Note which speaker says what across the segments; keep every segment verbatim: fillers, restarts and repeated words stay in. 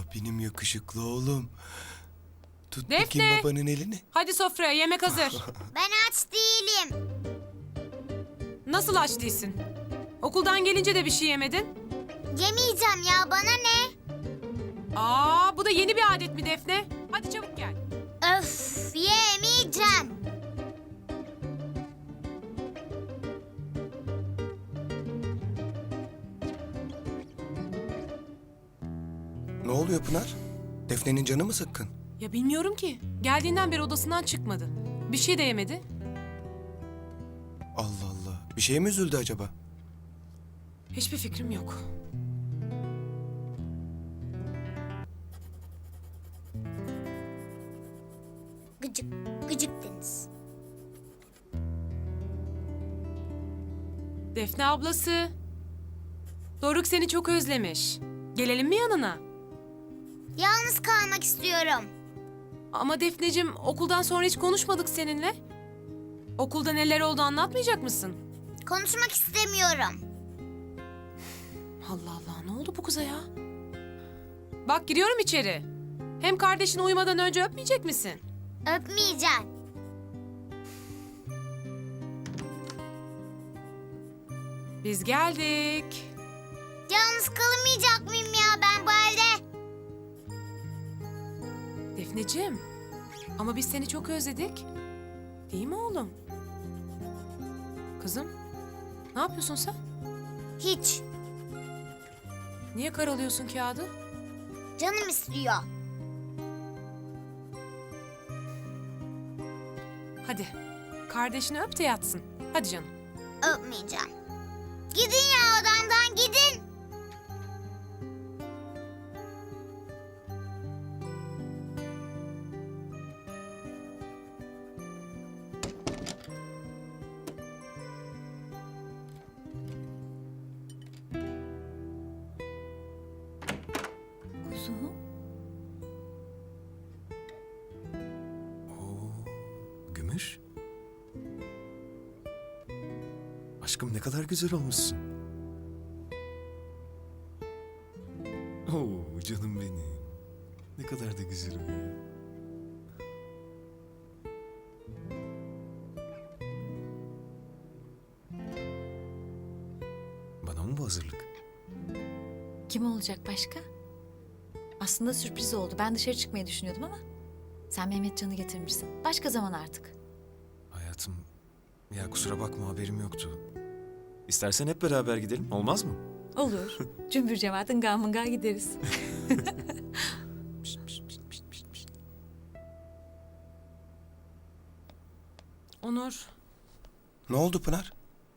Speaker 1: Benim yakışıklı oğlum. Tut
Speaker 2: Defne!
Speaker 1: bakayım babanın elini.
Speaker 2: Hadi sofraya, yemek hazır.
Speaker 3: Ben aç değilim.
Speaker 2: Nasıl aç değilsin? Okuldan gelince de bir şey yemedin.
Speaker 3: Yemeyeceğim ya, bana ne?
Speaker 2: Aa, bu da yeni bir adet mi Defne? Hadi çabuk gel.
Speaker 3: Öf, yemeyeceğim.
Speaker 1: Ne oluyor Pınar? Defne'nin canı mı sıkkın?
Speaker 2: Ya bilmiyorum ki. Geldiğinden beri odasından çıkmadı. Bir şey de yemedi.
Speaker 1: Allah Allah. Bir şeye mi üzüldü acaba?
Speaker 2: Hiçbir fikrim yok.
Speaker 3: Gıcık, gıcık Deniz.
Speaker 2: Defne ablası. Doruk seni çok özlemiş. Gelelim mi yanına?
Speaker 3: Yalnız kalmak istiyorum.
Speaker 2: Ama Defneciğim, okuldan sonra hiç konuşmadık seninle. Okulda neler oldu anlatmayacak mısın?
Speaker 3: Konuşmak istemiyorum.
Speaker 2: Allah Allah, ne oldu bu kıza ya? Bak giriyorum içeri. Hem kardeşini uyumadan önce öpmeyecek misin?
Speaker 3: Öpmeyeceğim.
Speaker 2: Biz geldik.
Speaker 3: Yalnız kalamayacak mıyım ya ben bu evde?
Speaker 2: Defneciğim, ama biz seni çok özledik. Değil mi oğlum? Kızım, ne yapıyorsun sen?
Speaker 3: Hiç.
Speaker 2: Niye karalıyorsun kağıdı?
Speaker 3: Canım istiyor.
Speaker 2: Hadi, kardeşini öp de yatsın. Hadi canım.
Speaker 3: Öpmeyeceğim. Gidin ya odamdan, gidin.
Speaker 4: Kuzum.
Speaker 5: Gümüş. Aşkım ne kadar güzel olmuşsun. Oo canım benim. Ne kadar da güzel uyuyor. Bana mı bu hazırlık?
Speaker 4: Kim olacak başka? Aslında sürpriz oldu. Ben dışarı çıkmayı düşünüyordum ama sen Mehmetcan'ı getirmişsin. Başka zaman artık.
Speaker 5: Hayatım, ya kusura bakma haberim yoktu. İstersen hep beraber gidelim, olmaz mı?
Speaker 4: Olur. Cümbür cemaatin gamınga gideriz.
Speaker 5: Pişt, pişt, pişt, pişt, pişt, pişt.
Speaker 2: Onur,
Speaker 1: Ne oldu Pınar?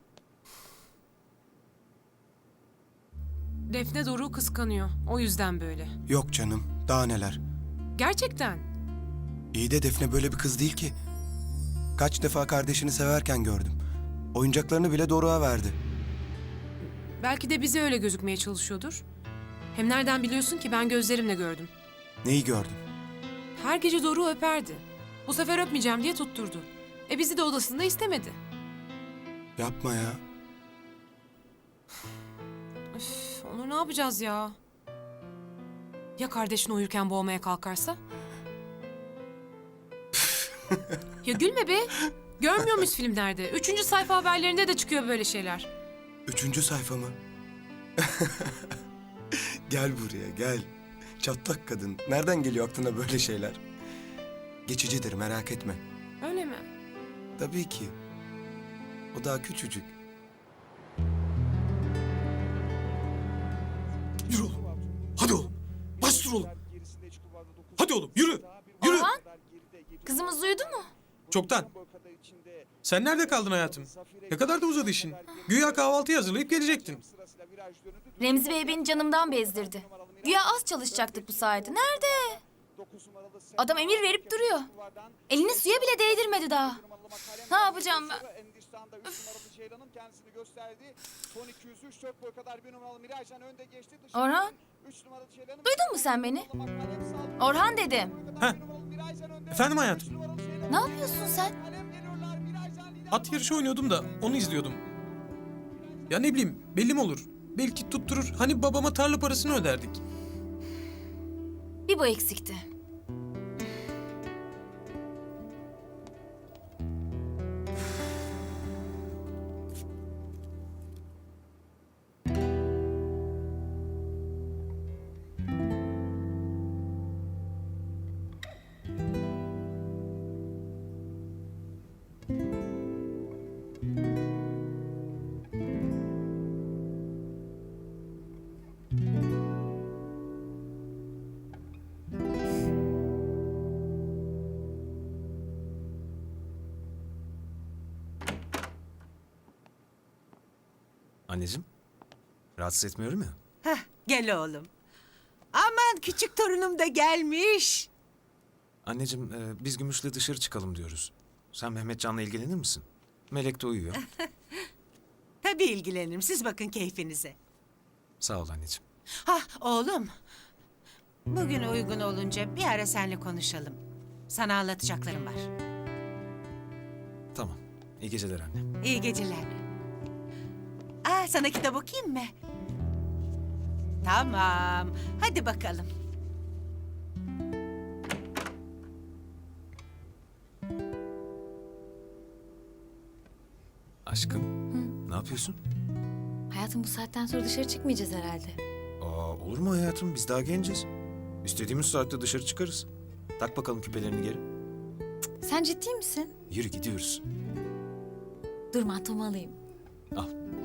Speaker 2: Defne Doruk'u kıskanıyor. O yüzden böyle.
Speaker 1: Yok canım. Daha neler.
Speaker 2: Gerçekten.
Speaker 1: İyi de Defne böyle bir kız değil ki. Kaç defa kardeşini severken gördüm. Oyuncaklarını bile Doruk'a verdi.
Speaker 2: Belki de bize öyle gözükmeye çalışıyordur. Hem nereden biliyorsun ki, ben gözlerimle gördüm.
Speaker 1: Neyi gördün?
Speaker 2: Her gece Doruk'u öperdi. Bu sefer öpmeyeceğim diye tutturdu. E bizi de odasında istemedi.
Speaker 1: Yapma ya.
Speaker 2: Üf, Onur ne yapacağız ya? Ya kardeşini uyurken boğmaya kalkarsa? Ya gülme be. Görmüyor muyuz filmlerde? Üçüncü sayfa haberlerinde de çıkıyor böyle şeyler.
Speaker 1: Üçüncü sayfa mı? Gel buraya gel. Çatlak kadın. Nereden geliyor aklına böyle şeyler? Geçicidir merak etme.
Speaker 2: Öyle mi?
Speaker 1: Tabii ki. O daha küçücük.
Speaker 6: Yürü oğlum. Hadi oğlum. Bastır oğlum. Hadi oğlum yürü. Yürü.
Speaker 4: Orhan, kızımız uyudu mu?
Speaker 6: Çoktan. Sen nerede kaldın hayatım? Ne kadar da uzadı işin. Güya kahvaltıyı hazırlayıp gelecektin.
Speaker 7: Remzi Bey beni canımdan bezdirdi. Güya az çalışacaktık bu sayede. Nerede? Adam emir verip duruyor. Elini suya bile değdirmedi daha. Ne yapacağım ben? Orhan, duydun mu sen beni? Orhan dedim.
Speaker 6: Heh. Efendim hayatım.
Speaker 7: Ne yapıyorsun sen?
Speaker 6: At yarışı oynuyordum da onu izliyordum. Ya ne bileyim belli mi olur? Belki tutturur. Hani babama tarla parasını öderdik.
Speaker 7: Bir bu eksikti.
Speaker 5: Anneciğim, rahatsız etmiyorum ya.
Speaker 8: Heh, gel oğlum. Aman küçük torunum da gelmiş.
Speaker 5: Anneciğim, e, biz Gümüş'le dışarı çıkalım diyoruz. Sen Mehmetcan'la ilgilenir misin? Melek de uyuyor.
Speaker 8: Tabii ilgilenirim. Siz bakın keyfinize.
Speaker 5: Sağ ol anneciğim.
Speaker 8: Hah oğlum. Bugün uygun olunca bir ara seninle konuşalım. Sana anlatacaklarım var.
Speaker 5: Tamam. İyi geceler anne.
Speaker 8: İyi geceler. Aa, sana kitap okuyayım mı? Tamam. Hadi bakalım.
Speaker 5: Aşkım, ne yapıyorsun?
Speaker 4: Hayatım bu saatten sonra dışarı çıkmayacağız herhalde.
Speaker 5: Aa, olur mu hayatım? Biz daha genciz. İstediğimiz saatte dışarı çıkarız. Tak bakalım küpelerini geri.
Speaker 4: Sen ciddi misin?
Speaker 5: Yürü gidiyoruz.
Speaker 4: Dur mantomu alayım.
Speaker 5: Al.